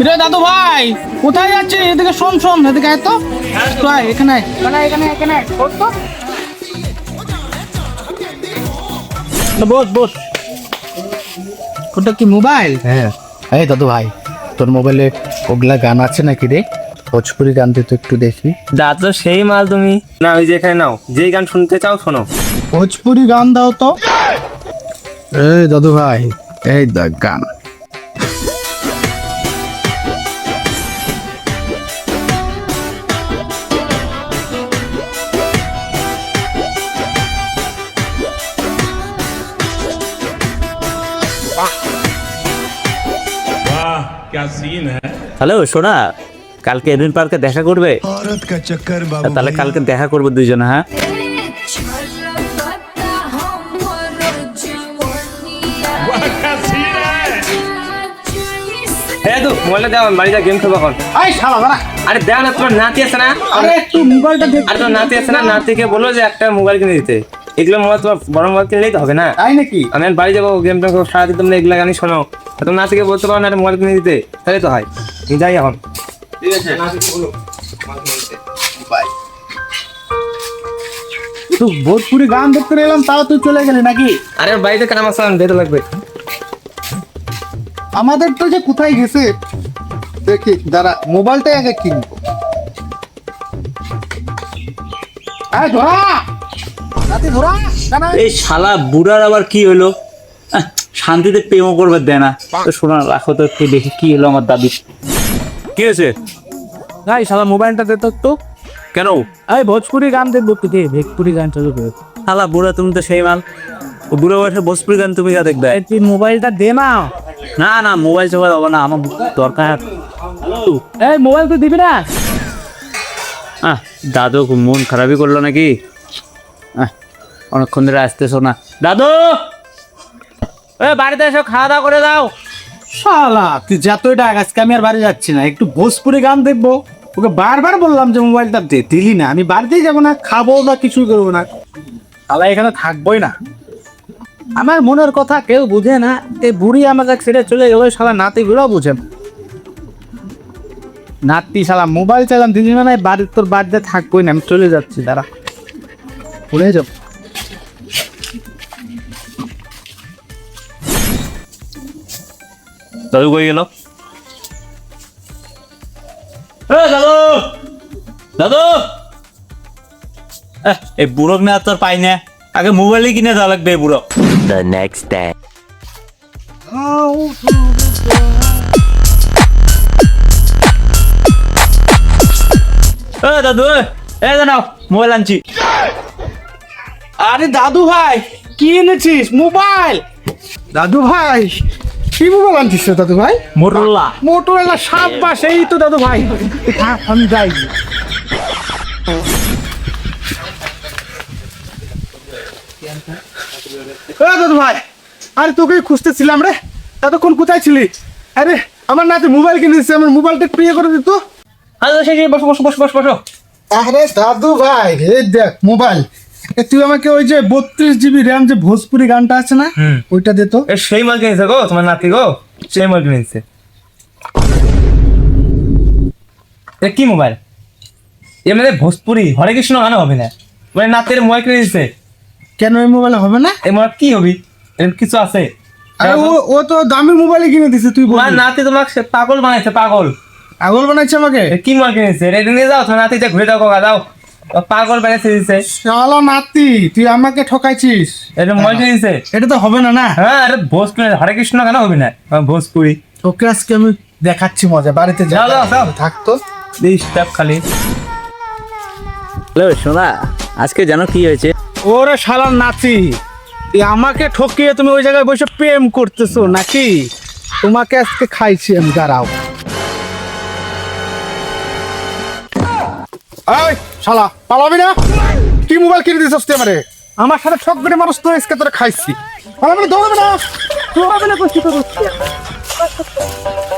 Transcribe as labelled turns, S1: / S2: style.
S1: রে দাদু ভাই কোথায় যাচ্ছিস? এদিকে শোন শোন, এদিকে আয় তো। তো আয়, এখানে আয়, এখানে এখানে এখানে বস তো। বস বস। ওটা কি মোবাইল?
S2: হ্যাঁ। এই দাদু ভাই, তোর মোবাইলে ওগুলা গান আছে নাকি রে? ভোজপুরি গান দিয়ে তো একটু দেখি।
S3: দাদু সেই মাল তুমি না, ওই যেখানে নাও, যেই গান শুনতে চাও শোনো।
S1: ভোজপুরি গান দাও তো।
S2: এই দাদু ভাই, এই দেখ গান।
S4: क्या सीन है।
S5: হ্যালো সোনা, কালকে এডেন পার্কে দেখা করবে? তাহলে কালকে দেখা করবো দুইজনে। হ্যাঁ
S4: क्या सीन है।
S3: হ্যাঁ তো মোবাইলটা দাও, আমি বাড়ি যা গেম খেলবো এখন।
S1: আয় শালা দাঁড়া।
S3: আরে দাও না, তোমার নাতি আছে না?
S1: আরে একটু মোবাইলটা দেখ।
S3: আরে তোমার নাতি আছে না, নাতিকে বলো যে একটা মোবাইল কিনে দিতে। এগুলো মোবাইল তোমার বড় মোবাইল কিনলেই তো হবে না।
S1: তাই নাকি?
S3: আমি এখন বাড়ি যাবো, গেমটা সারাদিন তোমরা এগুলো গানই শোনো। তোমার নাতিকে বলতে পারো না একটা মোবাইল কিনে দিতে, তাহলে তো হয়। আমি যাই এখন। ঠিক আছে, নাতিকে বলো মোবাইল কিনে দিতে।
S1: তুই ভোজপুরি গান দেখতে এলাম, তাও তুই চলে গেলি নাকি?
S3: আরে বাড়িতে কাম আছে, যেতে লাগবে।
S1: আমাদের তো যে কোথায় গেছে দেখি, দাঁড়া মোবাইলটাই আগে কিনবো। আয় ধরা নাতি, ধরা জানা।
S5: এই শালা বুড়ার আবার কি হলো? শান্তিতে প্রেমও করবে দেয় না। তো শোনা রাখো তো, একটু দেখি কি হলো আমার দাবি। কি হয়েছে?
S1: ভাই শালা মোবাইলটা দে তো একটু।
S5: কেন?
S1: এই ভোজপুরি গান দেখবো কি? দে ভোজপুরি গান চালু করে।
S5: শালা বুড়া, তুমি তো সেই মাল। ও বুড়ো বয়সে ভোজপুরি গান তুমি যা দেখবে?
S1: এই তুই মোবাইলটা দে না।
S5: না না, মোবাইল চোবাইল হবে না, আমার দরকার।
S1: এই মোবাইল তুই দিবি না?
S5: দাদু খুব মন খারাপই করলো নাকি? অনেকক্ষণ ধরে আসতেছো না। দাদু বাড়িতে এসো, খাওয়া দাওয়া করে দাও।
S1: শালা তুই যতই ডাক, আজকে আমি আর বাড়ি যাচ্ছি না, একটু ভোজপুরি গান দেখবো। ওকে বারবার বললাম যে মোবাইলটা দে, দিলি না। আমি বাড়িতেই যাবো না, খাবো না, কিছুই করবো না। শালা এখানে থাকবোই না। আমার মনের কথা কেউ বুঝে না। এই বুড়ি আমাকে ছেড়ে চলে গেল, শালা নাতিগুলোও বুঝে না। নাতি শালা মোবাইল চালাম, দিদি না বাড়ির, তোর বাড়িতে থাকবোই না, আমি চলে যাচ্ছি। দাঁড়া, ভুলে যাবো।
S5: দাদু কই গেল? দাদু দাদু, এই বুড়োক না তোর পাই না, আগে মোবাইলই কিনে দেওয়া লাগবে এই বুড়ো। The next day. দাদু জানাও, মোবাইল আনছি।
S1: আরে দাদু ভাই, কি এনেছিস? মোবাইল? দাদু ভাই কি মোবাইল আনছিস রে দাদু ভাই?
S5: মোটরোলা।
S1: মোটরোলা? সাব্বাস, এই তো দাদু ভাই। থাক, আমি যাই। দাদু ভাই, আরে তোকে খুঁজতেছিলাম রে, এতক্ষণ কোথায় ছিলি? আরে আমার নাতি মোবাইল কিনে দিচ্ছে, আমার মোবাইলটা একটু ইয়ে করে দিত।
S3: বসো বসো বসো বসো বসো।
S1: আরে দাদু ভাই, এই দেখ মোবাইল। তুই আমাকে ওই যে 32 GB র্যাম যে ভোজপুরি গানটা আছে না, ওইটা দে তো।
S3: সেই মাল কিনেছে গো তোমার নাতি গো, সেই মাল কিনেছে। কি মোবাইল? এমনি ভোজপুরি হরে কৃষ্ণ গান হবে না, মানে নাতির মোবাইল কিনে দিচ্ছে।
S1: কেন এই মোবাইল হবে না?
S3: এই মোবাইল কি হবি? এরকম কিছু আছে?
S1: আরে ও তো দামি মোবাইল কিনে দিছে, তুই বল।
S3: তোমার নাতি তোমাকে পাগল বানাইছে, পাগল।
S1: পাগল বানাইছে আমাকে?
S3: কি মোবাইল কিনেছে? এটা নিয়ে যাও, তোমার নাতি ঘুরে দাও, কাকা দাও। পাগল বানাইছে দিচ্ছে।
S1: শালা নাতি, তুই আমাকে ঠকাইছিস।
S3: এটা মোবাইল কিনেছে,
S1: এটা তো হবে না না।
S3: হ্যাঁ আরে ভোজপুরি হরে কৃষ্ণ গান হবে না, ভোজপুরি।
S1: ওকে আজকে আমি দেখাচ্ছি মজা, বাড়িতে
S3: যাও, যাও, যাও।
S1: থাকতো।
S3: স্টেপ খালি।
S5: হ্যালো সোনা, আজকে জানো কি হয়েছে?
S1: ওরে শালার নাতি, তুই আমাকে ঠকিয়ে তুমি ওই জায়গায় বসে প্রেম করতেছো নাকি? তোমাকে আজকে খাইছি আমি, দাঁড়াও। এই শালা, পালাবি না? কি মোবাইল কিনে দিছিস তুই আমারে? আমার সাথে ঠক বেড়ে মানুষ তো আজকে তোরা খাইছি। পালাবি না, দৌড়াবি না, দৌড়াবি না, কষ্ট করছিস।